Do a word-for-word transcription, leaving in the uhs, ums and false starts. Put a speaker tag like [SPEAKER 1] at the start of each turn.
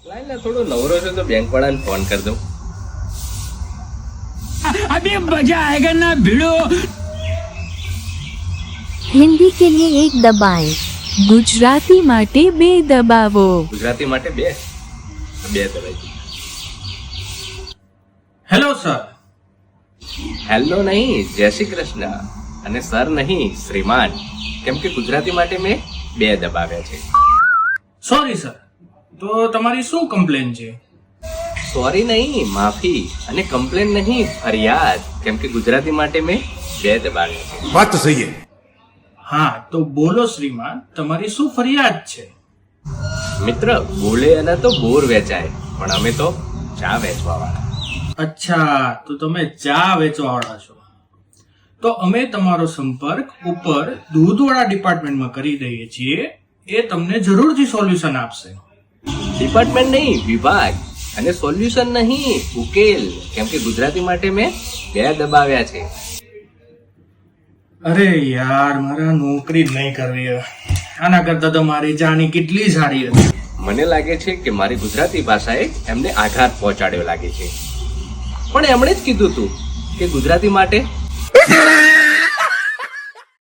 [SPEAKER 1] લાઈને થોડો નવરો છે તો બેંક વાળાને ફોન કરી દઉં.
[SPEAKER 2] अभी मजा आएगा ना भिड़ो.
[SPEAKER 3] हिंदी के लिए एक दबाएं. गुजराती माटे बे दबावो.
[SPEAKER 1] ગુજરાતી માટે બે બે દબાઈ.
[SPEAKER 4] Hello sir.
[SPEAKER 1] હેલો નહીં, જય શ્રી કૃષ્ણ. અને સર નહીં, શ્રીમાન. કેમ કે ગુજરાતી માટે મેં બે દબાવ્યા છે.
[SPEAKER 4] Sorry sir. તો તમારી શું કમ્પ્લેન છે?
[SPEAKER 1] સોરી નહીં, માફી. અને કમ્પ્લેન નહીં, ફરિયાદ. કેમ કે ગુજરાતી માટે મેં બે દબાવ્યા છે.
[SPEAKER 5] बात तो सही है.
[SPEAKER 4] હા તો બોલો શ્રીમાન, તમારી શું ફરિયાદ છે?
[SPEAKER 1] મિત્ર, બોલે અને તો બોર વેચાય, પણ અમે તો ચા વેચવા વાળા.
[SPEAKER 4] અચ્છા, તો તમે ચા વેચવાવાળા છો. તો અમે તમારો સંપર્ક ઉપર દૂધવાળા ડિપાર્ટમેન્ટમાં કરી દઈએ છીએ. એ તમને જરૂરથી સોલ્યુશન આપશે.
[SPEAKER 1] ડિપાર્ટમેન્ટ નહીં, વિભાગ. અને સોલ્યુશન નહીં, ઉકેલ. કેમ કે ગુજરાતી માટે મેં બે દબાવ્યા છે.
[SPEAKER 4] અરે યાર, મારા નોકરી જ નહીં કરવી હવે. આના કરતા તો મારી જાની કેટલી સારી હતી.
[SPEAKER 1] મને લાગે છે કે મારી ગુજરાતી ભાષાએ એમને આઘાત પહોંચાડ્યો લાગે છે. પણ એમણે જ કીધું હતું કે ગુજરાતી માટે